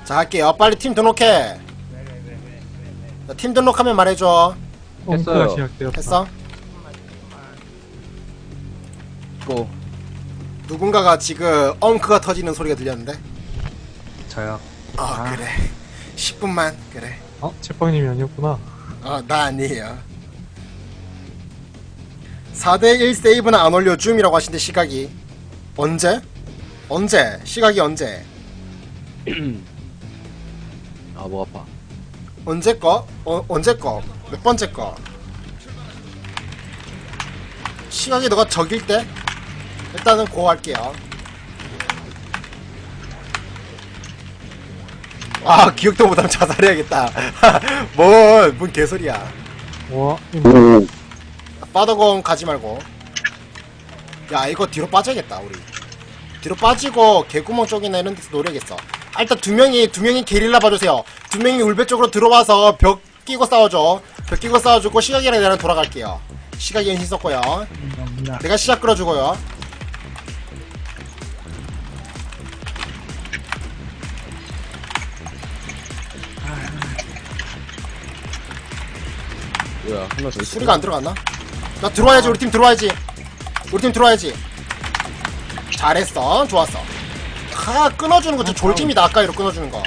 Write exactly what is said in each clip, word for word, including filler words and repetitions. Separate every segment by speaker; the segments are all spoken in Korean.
Speaker 1: 자, 할게요. 빨리 팀 등록해. 자, 팀 등록하면 말해줘.
Speaker 2: 했어요.
Speaker 3: 시작되었다.
Speaker 1: 했어?
Speaker 2: 고.
Speaker 1: 누군가가 지금 엉크가 터지는 소리가 들렸는데.
Speaker 3: 저요.
Speaker 1: 아,
Speaker 3: 아.
Speaker 1: 그래. 십 분만. 그래.
Speaker 3: 어? 채빵님이 아니었구나.
Speaker 1: 어, 나 아니에요. 사 대 일 세이브는 안 올려 줌이라고 하신데 시각이 언제? 언제? 시각이 언제?
Speaker 2: 아, 목 아파.
Speaker 1: 언제 거? 어, 언제 거? 몇 번째 거? 시각이 너가 적일 때? 일단은 고 할게요. 아, 기억도 못하면 자살해야겠다. 뭔, 뭔 개소리야.
Speaker 3: 와,
Speaker 4: 오.
Speaker 1: 빠더공 가지 말고. 야, 이거 뒤로 빠져야겠다, 우리. 뒤로 빠지고 개구멍 쪽이나 이런 데서 노려야겠어. 아, 일단 두 명이 두 명이 게릴라 봐주세요. 두 명이 울배 쪽으로 들어와서 벽 끼고 싸워줘. 벽 끼고 싸워주고 시각이랑 나랑 돌아갈게요. 시각이 연신 썼고요. 내가 시작 끌어주고요.
Speaker 2: 뭐야, 한 명 더 있어.
Speaker 1: 수리가 안 들어갔나? 나 들어와야지. 우리 팀 들어와야지. 우리 팀 들어와야지. 잘했어. 좋았어. 아, 끊어주는 거 진짜 졸팀이다. 아까 이로 끊어주는 거.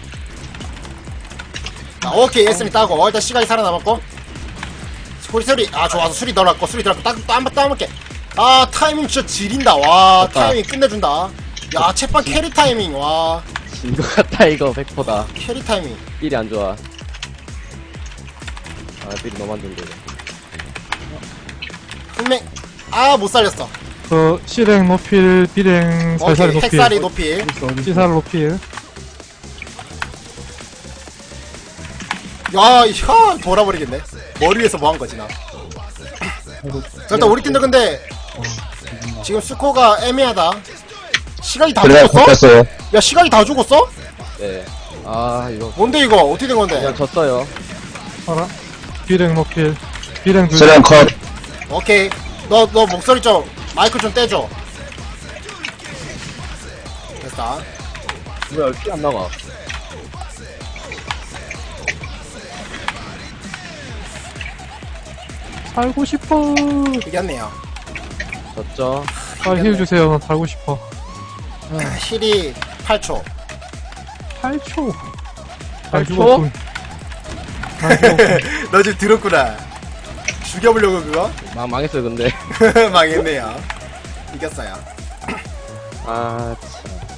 Speaker 1: 자, 오케이. 에스미 따고. 일단 시간이 살아남았고. 소리, 소리. 아, 좋아서 수리 넣어놨고. 수리 들어갔고. 딱, 또 한 번 따먹게. 아, 타이밍 진짜 지린다. 와,
Speaker 2: 좋다.
Speaker 1: 타이밍 끝내준다. 야, 채빵 캐리 타이밍. 와,
Speaker 2: 진 것 같다, 이거. 백 퍼센트다.
Speaker 1: 캐리 타이밍.
Speaker 2: 삘이 안 좋아. 아, 삘이 너무 안 좋은데.
Speaker 1: 분명, 아, 못 살렸어.
Speaker 3: 그 실행 노필, 비행 살살
Speaker 1: 오케이.
Speaker 3: 노필,
Speaker 1: 핵살이 높이.
Speaker 3: 시살 노필.
Speaker 1: 야, 야, 돌아버리겠네. 머리 위에서 뭐 한 거지, 나. 자, 일단 우리 팀도 근데, 지금 스코어가 애매하다. 시각이 다
Speaker 4: 그래,
Speaker 1: 죽었어?
Speaker 4: 바꿨어요.
Speaker 1: 야, 시각이 다 죽었어?
Speaker 2: 네. 아, 이거.
Speaker 1: 뭔데, 이거? 어떻게 된 건데?
Speaker 2: 그냥 졌어요.
Speaker 3: 알아? 비행 노필, 비행 둘.
Speaker 4: 세련 컷.
Speaker 1: 오케이. 너, 너 목소리 좀, 마이크 좀 떼줘. 됐다.
Speaker 2: 뭐야, 피 안 나가.
Speaker 3: 살고 싶어.
Speaker 1: 이겼네요.
Speaker 2: 졌죠.
Speaker 3: 빨리 힐 주세요. 나 살고 싶어.
Speaker 1: 힐이 팔 초.
Speaker 3: 팔 초.
Speaker 2: 팔
Speaker 3: 날
Speaker 2: 초?
Speaker 3: 죽었군. 날 죽었군.
Speaker 1: 너 지금 들었구나. 죽여보려고 그거?
Speaker 2: 망, 망했어요, 근데.
Speaker 1: 망했네요. 이겼어요.
Speaker 2: 아, 참.